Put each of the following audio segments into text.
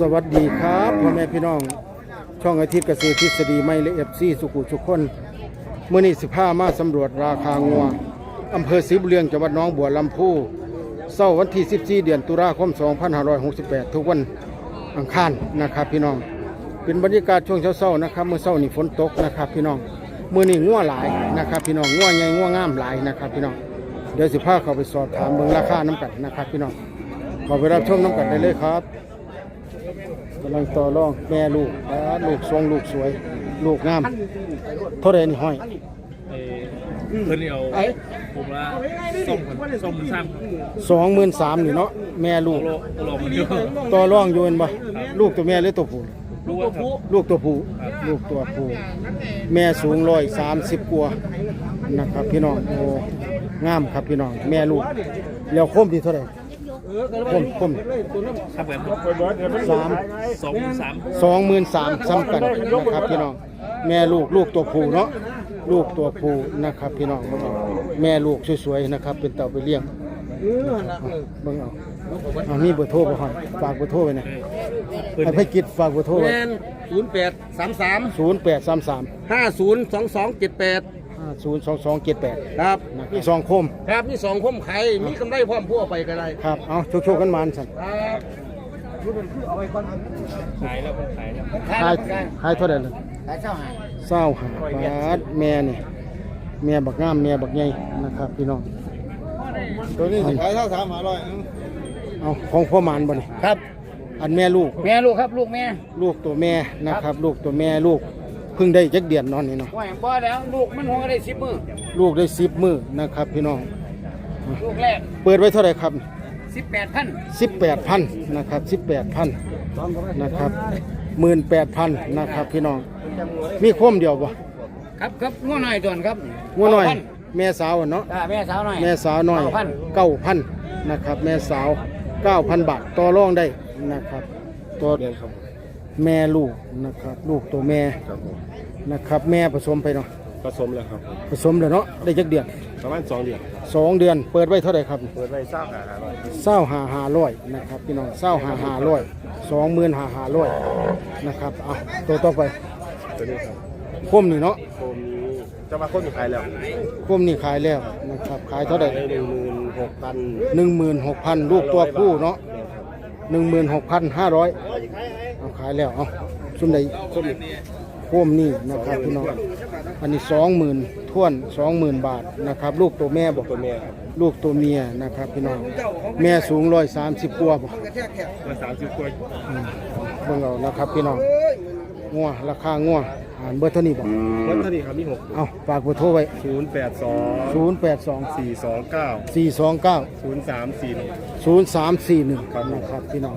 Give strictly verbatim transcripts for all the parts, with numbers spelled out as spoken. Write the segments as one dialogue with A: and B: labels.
A: วัสดีครับพ่อแม่พี่น้องช่องอาทิตย์เกษตรทฤษฎีไม่และเอฟซีสุขุสุขคนเมื่อนี้สิบห้ามาสำรวจราคางัวอำเภอศรีบุญเรืองจังหวัดหนองบัวลำพูเสาร์วันที่สิบสี่เดือนตุลาคมสองพันห้าร้อยหกสิบแปดทุกวันอังคารนะครับพี่น้องเป็นบรรยากาศช่วงเช้าๆนะครับเมื่อเช้านี่ฝนตกนะครับพี่น้องเมื่อนี้งัวหลายนะครับพี่น้องงัวใหญ่งัวงามหลายนะครับพี่น้องเดี๋ยวสิบห้าเข้าไปสอบถามเบิ่งราคาน้ำกัดนะครับพี่น้องขอไปรับชมน้ำกัดได้เลยครับกำลังต่อรองแม่ลูกลูกทรงลูกสวยลูกงามเท่าไรนี่ห้อย
B: เพิ่นเอาผมละส่งส่งซ้
A: ำสองหมื่นสามนี่เนาะแม่ลูกต่อรองโยนบ่ลูกตัวแม่หรือตัวผู้ลูกตัวผู้ลูกตัวผู้แม่สูงร้อยสามสิบกว่านะครับพี่น้องโอ้งามครับพี่น้องแม่ลูกแล้วคมที่เท่าไรคมคม
B: ครับแบบ
A: สาม
B: สองสาม
A: สองหมื่นสามซ้ำกันนะครับพี่น้องแม่ลูกลูกตัวผู้เนาะลูกตัวผู้นะครับพี่น้องแม่ลูกสวยๆนะครับเป็นเต่าไปเลี้ยงเบิ่งเอาเอามีเบอร์โทรบ่ฮะฝากเบอร์โทรไว้นะให้พี่กิจฝากเบอร์โทรไว้
C: ศูนย์แปดสามสาม
A: ศูนย์แปดสามสาม
C: ห้าศูนย์สองสองเจ็ดแปด
A: ห้าศูนย์สองสองเจ็ดแปด
C: ครับ
A: มีสองคม
C: ครับมีสองคมไข่มีกำไรพร้อมพัวไปก็ได้
A: ครับเอาโชว์ๆกันมาสั่น
C: ครับเอาไว้ก่อน
B: ขายแล้วมันขายแล้ว
A: ขายขายเท่าไหร่เลย
C: ขายเศร้าหาย
A: เศร้าหาบาทแม่นี่แม่บักงามแม่บักใหญ่นะครับพี่น้อง
C: ตัวนี้ขายเท่าสามหาร้อย
A: เอาของพ่อหมานบ่นี่
C: ครับ
A: อันแม่ลูก
C: แม่ลูกครับลูกแม่
A: ลูกตัวแม่นะครับลูกตัวแม่ลูกเพิ่งได้จักเดือนนอนนี่เนาะ
C: ว่าบ่แล้วลูกมันหัวได้สิบมือ
A: ลูกได้สิบมือนะครับพี่น้อง
C: ลูกแรก
A: เปิดไว้เท่าไหร่ครับ
C: สิบแปดพัน
A: สิบแปดพันนะครับสิบแปดพันนะครับหมื่นแปดพันนะครับพี่น้องมีคมเดียวบ่
C: ครับครับงัวหน่อยตัวครับ
A: งัวหน่อยแม่สาวเนาะ
C: แม่สาวหน่อย
A: แม่สาวหน่อยเก้าพันนะครับแม่สาวเก้าพันบาทต่อรองได้นะครับตัวแม่ลูกนะครับลูกตัวแม่นะครับแม่ผสมไปเนาะ
B: ผสมแล้วครับ
A: ผสมแล้วเนาะได้จักเดือน
B: ประมาณสองเดือน
A: สองเดือนเปิดไว้เท่าไหร่ครับ
B: เปิดไว้เศร้าหาร้อย
A: เศร้าหาหาร้อยนะครับพี่น้องเศร้าหาหาร้อยสองหมื่นหาหาร้อยนะครับเอาตัวต่อไป
B: ตัวนี้ครับ
A: คมนี่เนาะ
B: คมนี้จะมาคมอยู่ขายแล้ว
A: คมนี่ขายแล้วนะครับขายเท่าไหร่
B: หนึ่งหมื่นหกพัน
A: หนึ่งหมื่นหกพันลูกตัวผู้เนาะหนึ่งหมื่นหกพันห้าร้อยเอาขายแล้วเอาซุ่มใดซุ่มคมนี่นะครับพี่น้องอันนี้สองหมื่นท่วนสองหมื่นบาทนะครับลูกตัวแม่บอก
B: ตัวแม่
A: ลูกตัวเมียนะครับพี่น้องแม่สูงร้อยสามสิบกว่าบ่
B: ร้อยสามสิบกว่า
A: เบิ่งเอานะครับพี่น้องงัวราคางัวอ่านเบอร์เท่านี้บ่
B: เบอร์เท่านี้ครับมีหก
A: เอาฝากเบอร์โทรไว้
B: ศูนย์แปดสอง
A: ศูนย์แปดสอง
B: สี่สองเก้า
A: สี่สองเก้า
B: ศูนย์สามสี่หนึ่ง
A: ศูนย์สามสี่หนึ่งนะครับพี่น้อง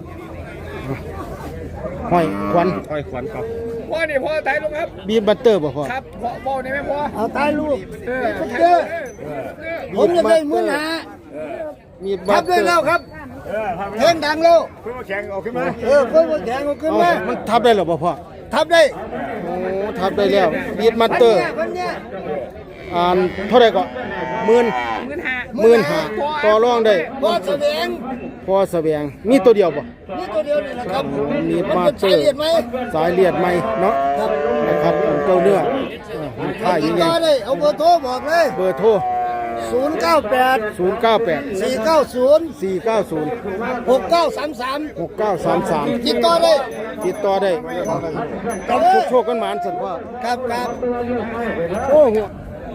A: ห้อยควัน
B: ห้อยควันครับ
C: พ่อเนี่ยพ่อตายลูกครับ
A: บีบบัตเตอร์บ่พ่อ
C: ครับพ่อพ่อเนี่ยไม่พ่อ
A: เอาตายลูก
C: เออเด้อผมจะได้มื้อหา
A: มีบัตเตอร์
C: ทับได้แล้วครับเพ่งดังแล้ว
B: เพื่อแข่งออกขึ้นมา
C: เออเพื่อแข่งออกขึ้นมา
A: มันทับได้หรอบ่พ่อ
C: ทับได้
A: โอ้ทับได้แล้วบีบบัตเตอร์อ่านเท่าไหร่ก็หมื่นหมื่นห้าต่อรองได้
C: พอแสดง
A: พอแสดงมีตัวเดียวป่ะ
C: มีตัวเดียวนี่แหละครับ
A: มีมาเตอร์สายเลียดไหมเนาะนะครับเจ้าเนื้อมันค่ายยังไง
C: ได้เอาเบอร์โทรบอกเลย
A: เบอร์โทร
C: ศูนย์เก้าแปด
A: ศูนย์เก้าแปด
C: สี่เก้าศูนย์
A: สี่เก้าศูนย์
C: หกเก้าสามสาม
A: หกเก้าสามสาม
C: ติดต่อได้
A: ติดต่อได้ต้องโชคกันหมานสันว่า
C: ครับครับ
A: โอ้หัว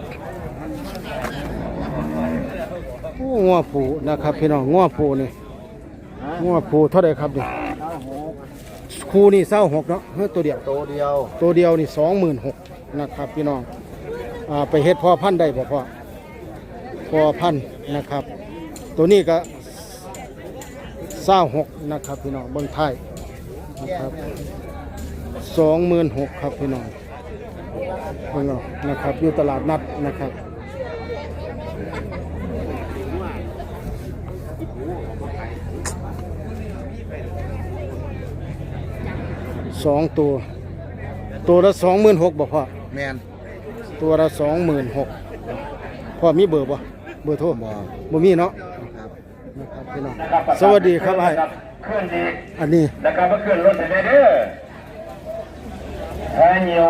A: โอ้งัวผูนะครับพี่น้องงัวผูนี่งัวผูเท่าไหร่ครับดิคูนี่เศร้าหกเนาะเฮ้ยตัวเดียว
C: ตัวเดียว
A: ตัวเดียวนี่สองหมื่นหกนะครับพี่น้องอ่าไปเฮ็ดพ่อพันธุ์ได้บ่พ่อพ่อพันธุ์นะครับตัวนี้ก็เศร้าหกนะครับพี่น้องเบื้องท้ายนะครับสองหมื่นหกครับพี่น้องเบื้องเอานะครับอยู่ตลาดนัดนะครับสองตัวตัวละสองหมื่นหกบ่พ่อ
C: แมน
A: ตัวละสองหมื่นหกพ่อมีเบอร์บ่เบอร์โทรบ่บ่มีเนาะนะครับพี่น้องสวัสดีครับไอ้
D: ขึ้นอีก
A: อันนี้
D: นะครับมาขึ้นรถไปเด้อแพ้เหนียว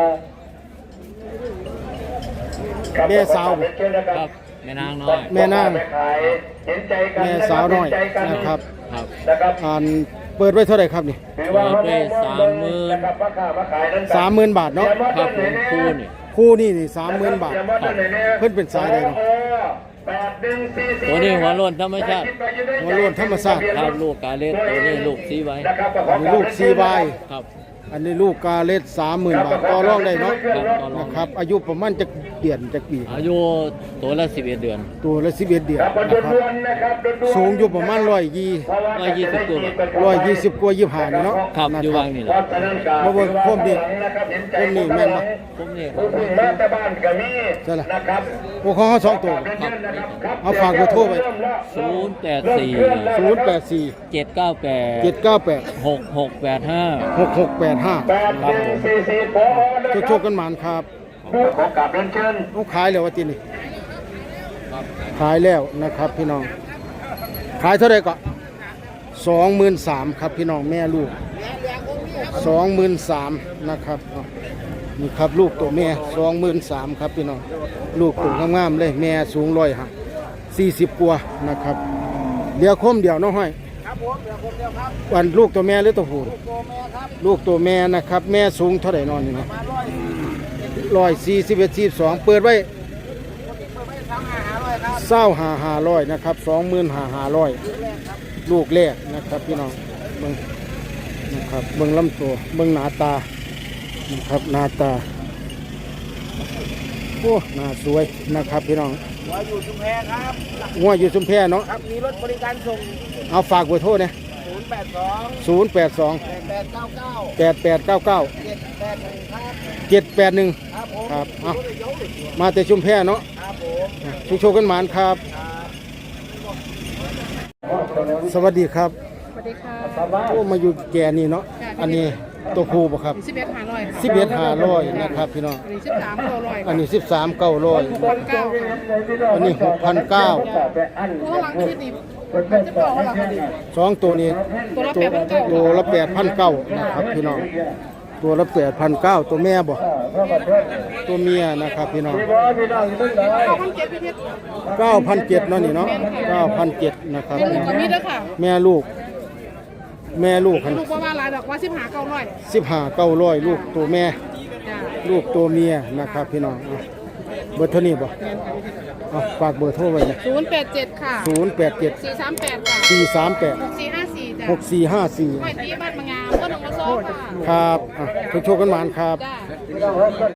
A: แม่สาว
E: ครับแม่นางน้อย
A: แม่นาง
D: เห็นใจกัน
A: แม่สาวน้อย
D: เห็ใจกั
A: นะครับ
E: ครับ
D: นะครับ
A: อ่านเปิดไว้เท่าไหร่ครับนี่
D: ถือว่า
E: เปิดไว้สามหมื่น
D: นะครับราคามาขายนั้น
A: สามหมื่นบาทเนาะ
E: ครับผมคู่นี่
A: คู่นี่นี่สามหมื่นบาท เพิ่นเป็นสายใดเนาะ
E: ตัวนี้หัวโล้นธรรมชาติ
A: หัวโล้นธรรมชาติ
E: ครับลูกกาเล็ดตัวนี้ลูกสีไว้
A: อันนี้ลูกซีบาย
E: ครับ
A: อันนี้ลูกกาเลสสามหมื่นบาทต่อรองได้เนาะ
E: ครับต่อรอง
A: นะครับ อายุประมาณจะเดือนจะปี
E: อายุตัวละสิบเอ็ดเดือน
A: ตัวละสิบเอ็ดเดือน
D: ครับ
A: นะครับ สูงอยู่ประมาณร้อยยี่
E: ร้อยยี่สิบตัว
A: ร้อยยี่สิบกว่ายี่ห้านี่เนาะ
E: ครับ
A: นะ
E: อยู่
A: ครั
E: วา
A: บ
E: งนี่แหละ
A: มาเบิ่งโคมดิโคมนี่แม่นปะ
E: ผมนี่
D: ผู้พึ่งมาแต่บ้านก็มี
A: ใช่ล่ะ
D: นะครับ
A: พวกเขาเขาสองตัว เอาฝากเบอร์โทรไว้
E: ศูนย์แปดสี่
A: ศูนย์แปดสี่
E: เจ็ดเก้าแปด
A: เจ็ดเก้าแปด
E: หกหกแปดห้า
A: หกหกแปดห้า
D: แปดหนึ่งสี่สี่พอนะ
A: โชคๆกันหมานครับ
D: ขอกลับเรียนเชิญ
A: ต้องขายแล้วว่าจีนี่ขายแล้วนะครับพี่น้อง ขายเท่าไหร่ก็สองหมื่นสามครับพี่น้องแม่ลูกสองหมื่นสามนะครับเอานี่ครับลูกตัวแม่สองหมื่นสามครับพี่น้องลูกตัวงามๆเลยแม่สูงร้อยห้าสี่สิบกว่านะครับเดี๋ยวคมเดี๋ยวน้องห้อยวันลูกตัวแม่หรือตัวผู้ลูกตัวแม่นะครับ แม่สูงเท่าไหร่นอนนี่นะร้อยสี่สิบเอ็ดสี่สองเปิดไว้เศร้าหาหาร้อยนะครับสองหมื่นหาหาร้อยลูกแรกนะครับพี่น้องเบิ่งนะครับเบิ่งลำตัวเบิ่งหน้าตานะครับหน้าตาโอ้หน้าสวยนะครับพี่น้อง
C: หัวอยู่ชุมแพครับ
A: งัวอยู่ชุมแพเนาะ
C: ครับ มีรถบริการส่ง
A: เอาฝากเบอร์โทรเนี่ย
C: ศูนย์แปดสอง
A: ศูนย์แปดสอง
C: แปดเก้าเก้า
A: แปดแปดเก้าเก้า
C: เจ็ดแปดหนึ่งครับ
A: เจ็ดแปดหนึ่ง
C: ครับผม
A: ครับเอามาแต่ชุมแพเนาะ
C: ครับผม
A: ชุกโชคกันหมานครับ สวัสดีครับ
F: สวัสดีค่ะ
A: โอ้มาอยู่แก่นี่เนาะอันนี้ตัวครูบ่ครับ
F: สิบเอ็ดหาร้อยค่ะ
A: สิบเอ็ดห้าร้อยนะครับพี่น้อง
F: อันนี้สิบสามตัวร้อย
A: อันนี้สิบสามเก้าร้อย
F: พันเก้าค่ะ
A: อันนี้หกพันเก้า
F: เพราะว่าหลังคิดนี่มันจะบอกว่าหลังคิดนี่
A: สองตัวนี้
F: ตัวละแปดพันเก้า
A: ตัวละแปดพันเก้านะครับพี่น้องตัวละแปดพันเก้าตัวแม่บ่ตัวเมียนะครับพี่น้อง
F: เก้าพันเจ็ดพี่เพชร
A: เก้าพันเจ็ดเนาะนี่เนาะเก้าพันเจ็ดนะครับ
F: เป็นลูกกับมีดด้วยค่ะ
A: แม่ลูก แม่ลูก
F: ลูกว่าว่าหลายดอกว่าสิบหาเก้าร้อย
A: สิบห้าเก้าร้อยลูกตัวแม่
F: จ้า
A: ลูกตัวเมียนะครับพี่น้องเอาเบอร์เท่านี้บ่เอาฝากเบอร์โทรไว้นะ
F: ศูนย์แปดเจ็ดค่ะ
A: ศูนย์แปดเจ็ด
F: สี่สามแปดค่ะ
A: สี่สามแปด
F: หกสี่ห้าสี่จ้า
A: หกสี่ห้าสี่
F: ไม่ตีบ้านมางามก็หนึ่งมาโซ่ค่ะ
A: ครับอ่ะทุกโชคกันหมานครับ
F: จ้า